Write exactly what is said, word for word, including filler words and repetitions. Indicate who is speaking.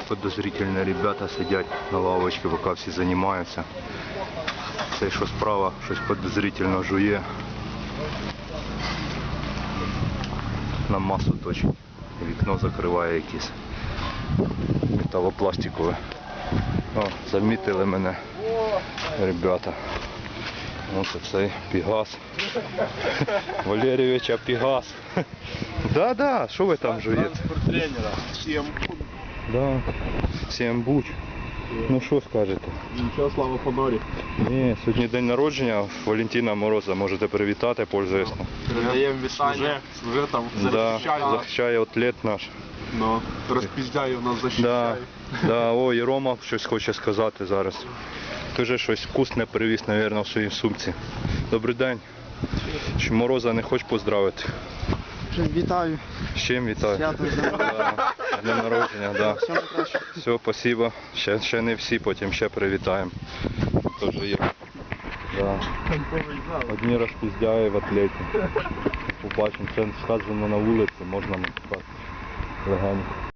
Speaker 1: подозрительні ребята сидять на лавочці, поки всі займаються. Цей, що справа, щось подозрительно жує. На масу точить. Вікно закриває якесь металопластикове. О, замітили мене ребята. Ось цей Пегас. Валерійович, а Пегас. Да-да, що ви там жуєте?
Speaker 2: Тренера. Всім.
Speaker 1: Да, всім буч. Ну що скажете?
Speaker 2: Нічого, слава Фонорі.
Speaker 1: Ні, сьогодні день народження Валентина Мороза, можете привітати, пользуясь.
Speaker 2: Передаємо вітання. Вже, вже там
Speaker 1: Да,
Speaker 2: захищає.
Speaker 1: захищає атлет наш.
Speaker 2: Ну, розпіздяє нас
Speaker 1: Да,
Speaker 2: захищає.
Speaker 1: да, о, і Рома щось хоче сказати зараз. Дуже щось вкусне привіз, мабуть, в своїй сумці. Добрий день. Чи Мороза не хочеш поздравити?
Speaker 3: Вітаю.
Speaker 1: З чим вітаю?
Speaker 3: Свято з днем народження.
Speaker 1: Да, з днем народження, да.
Speaker 3: Всього найкращого.
Speaker 1: Все, спасибо. Ще, ще не всі, потім ще привітаємо. Теж є. Да. Одні розпіздяє в атлеті. Побачимо, це сказано на вулиці, можна написати легенько.